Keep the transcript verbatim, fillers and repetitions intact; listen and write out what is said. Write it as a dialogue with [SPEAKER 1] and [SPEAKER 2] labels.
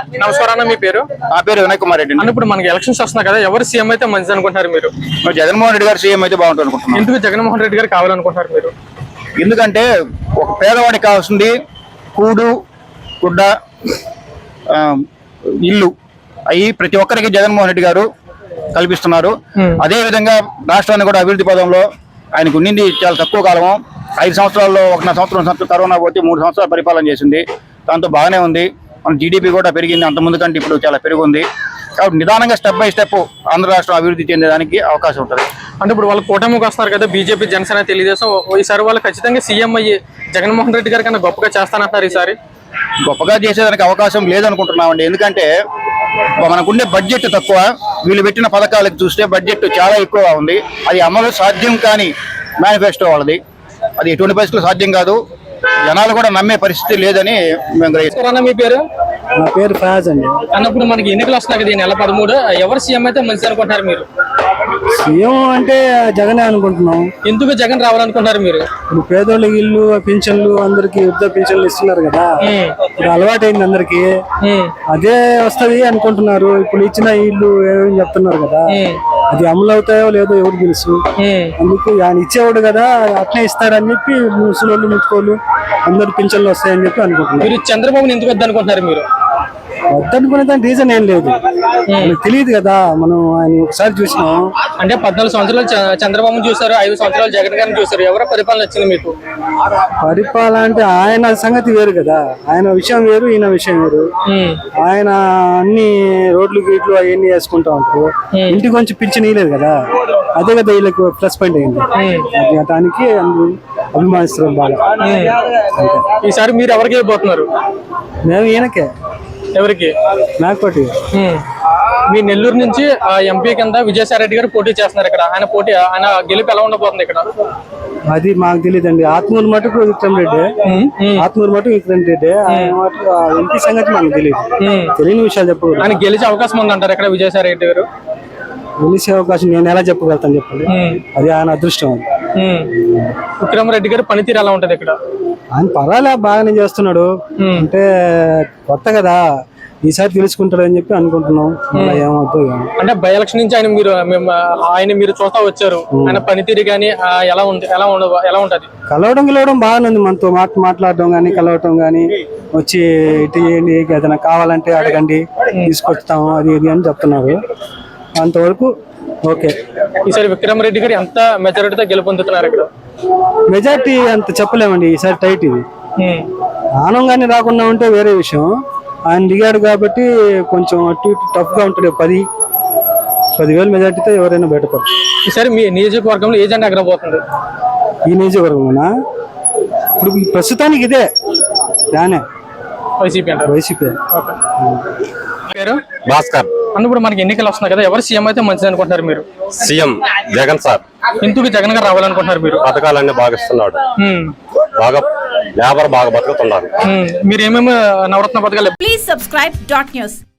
[SPEAKER 1] నమస్కారం అన్న, మీ పేరు?
[SPEAKER 2] నా పేరు వినయ్ కుమార్ రెడ్డి.
[SPEAKER 1] అన్న, ఇప్పుడు మనకి ఎలక్షన్స్ వస్తున్నాయి కదా, ఎవరు సీఎం అయితే మంచిది అనుకుంటారు మీరు?
[SPEAKER 2] జగన్మోహన్ రెడ్డి గారు సీఎం అయితే బాగుంటుంది అనుకుంటున్నాను.
[SPEAKER 1] ఎందుకు జగన్మోహన్ రెడ్డి గారు కావాలనుకుంటారు మీరు?
[SPEAKER 2] ఎందుకంటే ఒక పేదవాడికి కావాల్సింది కూడు, గుడ్డ, ఇల్లు అవి ప్రతి ఒక్కరికి జగన్మోహన్ రెడ్డి గారు కల్పిస్తున్నారు. అదే విధంగా రాష్ట్రాన్ని కూడా అభివృద్ధి పదంలో ఆయనకు ఉండింది చాలా తక్కువ కాలము. ఐదు సంవత్సరాల్లో ఒకటి సంవత్సరం సంవత్సరం కరోనా పోతే మూడు సంవత్సరాలు పరిపాలన చేసింది. దాంతో బాగానే ఉంది. మన జీడీపీ కూడా పెరిగింది, అంత ముందు కంటే ఇప్పుడు చాలా పెరిగింది. కాబట్టి నిదానంగా స్టెప్ బై స్టెప్ ఆంధ్ర రాష్ట్రం అభివృద్ధి చెందేదానికి అవకాశం ఉంటుంది.
[SPEAKER 1] అంటే ఇప్పుడు వాళ్ళు కూటమికి వస్తున్నారు కదా, బీజేపీ, జనసేన, తెలుగుదేశం. ఈసారి వాళ్ళు ఖచ్చితంగా సీఎం అయ్యి జగన్మోహన్ రెడ్డి గారి కన్నా గొప్పగా చేస్తానంటారు. ఈసారి
[SPEAKER 2] గొప్పగా చేసేదానికి అవకాశం లేదనుకుంటున్నామండి. ఎందుకంటే మనకుండే బడ్జెట్ తక్కువ. వీళ్ళు పెట్టిన పథకాలకు చూస్తే బడ్జెట్ చాలా ఎక్కువగా ఉంది. అది అమలు సాధ్యం కాని మేనిఫెస్టో వాళ్ళది. అది ఎటువంటి పరిస్థితులు సాధ్యం కాదు. జనాలు కూడా నమ్మే పరిస్థితి లేదని మేము గ్రహిస్తాం.
[SPEAKER 1] మీ పేరు?
[SPEAKER 3] నా పేరు ఫయాజ్ అండి.
[SPEAKER 1] అన్నప్పుడు మనకి ఎన్నికలు వస్తున్నాయి కదా, ఈ నెల పదమూడు, ఎవరు సీఎం అయితే మంచిది అనుకుంటారు మీరు?
[SPEAKER 3] సీఎం అంటే జగనే అనుకుంటున్నాం.
[SPEAKER 1] ఎందుకు జగన్ రావాలనుకుంటారు మీరు?
[SPEAKER 3] ఇప్పుడు పేదోళ్ళకి ఇల్లు, పింఛన్లు, అందరికి వృద్ధ పింఛన్లు ఇస్తున్నారు కదా, ఇప్పుడు అలవాటైంది అందరికి. అదే వస్తది అనుకుంటున్నారు. ఇప్పుడు ఇచ్చిన ఇల్లు ఏమేమి చెప్తున్నారు కదా, అది అమలు అవుతాయో లేదో ఎవరు తెలుసు. అందుకు ఆయన ఇచ్చేవాడు కదా, అట్నే ఇస్తాడని చెప్పి ముసలోళ్ళు, ముట్టుకోళ్ళు అందరు పింఛన్లు వస్తాయని చెప్పి అనుకుంటున్నారు.
[SPEAKER 1] మీరు చంద్రబాబుని ఎందుకు వద్ద అనుకుంటున్నారు మీరు?
[SPEAKER 3] వద్దనుకునే దాని రీజన్ ఏం లేదు, మనకు తెలియదు కదా. మనం ఆయన ఒకసారి చూసినాం.
[SPEAKER 1] అంటే పద్నాలుగు సంవత్సరాలు చంద్రబాబు చూసారు, ఐదు సంవత్సరాలు జగన్ గారిని చూసారు. ఎవరో పరిపాలన వచ్చింది మీకు?
[SPEAKER 3] పరిపాలన అంటే ఆయన సంగతి వేరు కదా, ఆయన విషయం వేరు, ఈయన విషయం వేరు. ఆయన అన్ని రోడ్లు గీట్లు అవన్నీ వేసుకుంటా ఉంటారు. ఇంటికి కొంచెం పింఛన్ ఇయ్యలేదు కదా, అదే కదా వీళ్ళకి ప్లస్ పాయింట్ అయింది. దానికి అభిమానిస్తారు బాగా.
[SPEAKER 1] ఈసారి మీరు ఎవరికి ఇవ్వబోతున్నారు?
[SPEAKER 3] మేము ఈయనకే.
[SPEAKER 1] ఎవరికి?
[SPEAKER 3] నాకోటి.
[SPEAKER 1] మీ నెల్లూరు నుంచి ఎంపీ కింద విజయసాయి రెడ్డి గారు పోటీ చేస్తున్నారు ఇక్కడ. ఆయన పోటీ, ఆయన గెలుపు ఎలా ఉండబోతుంది ఇక్కడ?
[SPEAKER 3] అది మాకు తెలియదండి. ఆత్మూరు మటుకు విక్రమ్ రెడ్డి, ఆత్మూరు మటుకు విక్రమ్ రెడ్డి. ఆయన మటుకు ఎంపీ సంగతి మనకు తెలియదు. తెలియని విషయాలు చెప్పు.
[SPEAKER 1] ఆయన గెలిచే అవకాశం ఉందంటారు ఇక్కడ విజయసాయి రెడ్డి గారు?
[SPEAKER 3] గెలిచే అవకాశం నేను ఎలా చెప్పగలుగుతాను చెప్పండి, అది ఆయన అదృష్టం.
[SPEAKER 1] విక్రమ్ రెడ్డి గారు పనితీరు ఎలా ఉంటది ఇక్కడ?
[SPEAKER 3] ఆయన పర్వాలే, బాగానే చేస్తున్నాడు. అంటే కొత్త కదా, ఈసారి తెలుసుకుంటాడని చెప్పి అనుకుంటున్నాం. ఏమవుతుందో.
[SPEAKER 1] అంటే బై ఎలక్షన్ నుంచి ఆయన మీరు ఆయన మీరు చూస్తా వచ్చారు, ఆయన పనితీరు కానీ ఎలా ఉంది, ఎలా ఉండ ఎలా ఉంటది?
[SPEAKER 3] కలవడం గెలవడం బాగానే ఉంది. మనతో మాట మాట్లాడడం కానీ, కలవటం కానీ, వచ్చి ఇటు చేయండి, ఏదైనా కావాలంటే అడగండి, తీసుకొస్తాము, అది ఇది అని చెప్తున్నారు. అంతవరకు ఓకే.
[SPEAKER 1] ఈసారి విక్రమ్ రెడ్డి గారు ఎంత మెజారిటీతో గెలుపొందుతున్నారు ఇక్కడ?
[SPEAKER 3] మెజార్టీ అంత చెప్పలేమండి, ఈసారి టైట్ ఇది. ఆనంగానే రాకుండా ఉంటే వేరే విషయం. ఆయన దిగాడు కాబట్టి కొంచెం అటు ఇటు టఫ్ గా ఉంటుంది. పది పదివేల మెజార్టీతో ఎవరైనా బయటపడతారు.
[SPEAKER 1] ఈసారి మీ నియోజకవర్గంలో ఏ జెండా ఎగరబోతుంది?
[SPEAKER 3] ఈ నియోజకవర్గంలోనా ఇప్పుడు ప్రస్తుతానికి ఇదే దానే
[SPEAKER 1] వైసీపీ అంటారు.
[SPEAKER 3] వైసీపీ.
[SPEAKER 1] పేరు?
[SPEAKER 4] భాస్కర్.
[SPEAKER 1] అన్నప్పుడు మనకి ఎన్నికలు వస్తున్నాయి కదా, ఎవరు సీఎం అయితే మంచిది అనుకుంటారు మీరు?
[SPEAKER 4] CM Jagan sir.
[SPEAKER 1] ఎందుకు జగన్ గారు రావాలనుకుంటున్నారు మీరు?
[SPEAKER 4] పథకాలన్నీ బాగా ఇస్తున్నాడు, బాగా లేబర్ బాగా బతుకుతున్నారు.
[SPEAKER 1] మీరు ఏమేమి నవరత్న పథకాలు?
[SPEAKER 5] Please subscribe dot news.